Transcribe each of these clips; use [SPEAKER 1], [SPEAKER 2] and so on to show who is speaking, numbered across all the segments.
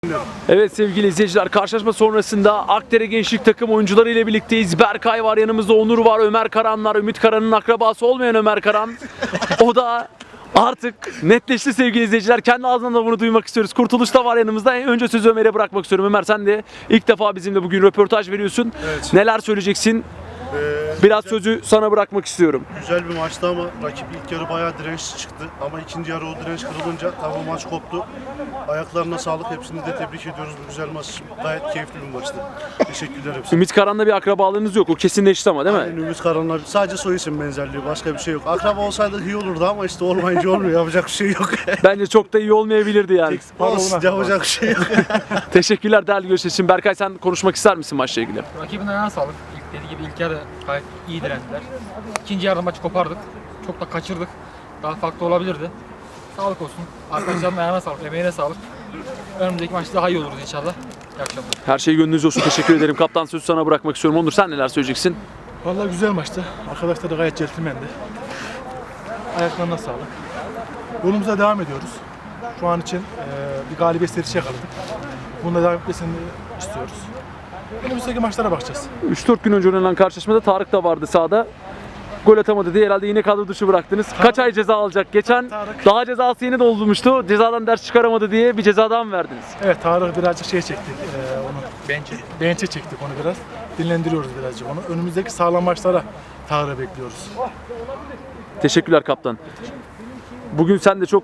[SPEAKER 1] Evet sevgili izleyiciler, karşılaşma sonrasında Akdere Gençlik takım oyuncuları ile birlikteyiz. Berkay var, yanımızda Onur var, Ömer Karanlar, Ümit Karan'ın akrabası olmayan Ömer Karan. O da artık netleşti sevgili izleyiciler. Kendi ağzından da bunu duymak istiyoruz. Kurtuluş da var yanımızda. Önce sözü Ömer'e bırakmak istiyorum. Ömer, sen de ilk defa bizimle bugün röportaj veriyorsun.
[SPEAKER 2] Evet.
[SPEAKER 1] Neler söyleyeceksin? Biraz sözü sana bırakmak istiyorum.
[SPEAKER 2] Güzel bir maçtı ama rakip ilk yarı bayağı dirençli çıktı. Ama ikinci yarı o direnç kırılınca tabii maç koptu. Ayaklarına sağlık, hepsini de tebrik ediyoruz bu güzel maç için. Gayet keyifli bir maçtı. Teşekkürler hepsine.
[SPEAKER 1] Ümit Karan'la bir akrabalığınız yok. O kesinleşti ama değil mi?
[SPEAKER 2] Aynen, Ümit Karan'la sadece soy isim benzerliği, başka bir şey yok. Akraba olsaydı iyi olurdu ama işte olmayınca olmuyor, yapacak bir şey yok.
[SPEAKER 1] Bence çok da iyi olmayabilirdi yani.
[SPEAKER 2] Olsun, yapacak bir şey yok.
[SPEAKER 1] Teşekkürler değerli görüşler için. Berkay, sen konuşmak ister misin maçla ilgili?
[SPEAKER 3] Rakibin ayağına sağlık. Dediği gibi ilk yarı gayet iyi direndiler. İkinci yarıda maçı kopardık. Çok da kaçırdık. Daha farklı olabilirdi. Sağlık olsun. Arkadaşların ayağına sağlık, emeğine sağlık. Önümüzdeki maçta daha iyi oluruz inşallah. İyi akşamlar.
[SPEAKER 1] Her şey gönlünüzce olsun. Teşekkür ederim. Kaptan, sözü sana bırakmak istiyorum. Onur, sen neler söyleyeceksin?
[SPEAKER 4] Vallahi güzel maçtı. Arkadaşlar da gayet centilmendi. Ayaklarına sağlık. Yolumuza devam ediyoruz. Şu an için bir galibiyet serisi yakaladık. Bunda devam etmesini istiyoruz. Önümüzdeki maçlara bakacağız.
[SPEAKER 1] 3-4 gün önce oynanan karşılaşmada Tarık da vardı sahada. Gol atamadı diye herhalde yine kadro dışı bıraktınız. Kaç ay ceza alacak? Geçen
[SPEAKER 4] Tarık.
[SPEAKER 1] daha cezası yeni doldurmuştu. Cezadan ders çıkaramadı diye bir ceza daha mı verdiniz?
[SPEAKER 4] Evet, Tarık birazcık şey çektik. Onu bench'e çektik onu biraz. Dinlendiriyoruz birazcık onu. Önümüzdeki sağlam maçlara Tarık'ı bekliyoruz.
[SPEAKER 1] Teşekkürler kaptan. Bugün sen de çok...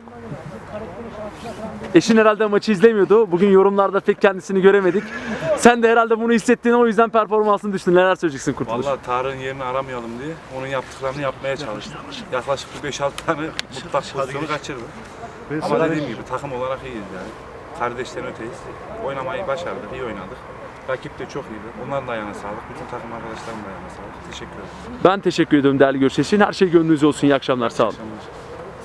[SPEAKER 1] Eşin herhalde maçı izlemiyordu. Bugün yorumlarda pek kendisini göremedik. Sen de herhalde bunu hissettiğin, o yüzden performansını düştün. Neler söyleyeceksin Kurtuluş?
[SPEAKER 5] Vallahi Tarık'ın yerini aramayalım diye onun yaptıklarını yapmaya çalıştık. Yaklaşık bir 5-6 tane mutlak pozisyonu kaçırdı. Ama dediğim gibi takım olarak iyiyiz yani. Kardeşten öteyiz. Oynamayı başardık, iyi oynadık. Rakip de çok iyiydi. Onların da ayağına sağlık. Bütün takım arkadaşlarımın da ayağına sağlık. Teşekkür ederim.
[SPEAKER 1] Ben teşekkür ediyorum değerli görüşler için. Her şey gönlünüzce olsun. İyi akşamlar. Sağ olun.
[SPEAKER 5] Akşamlar.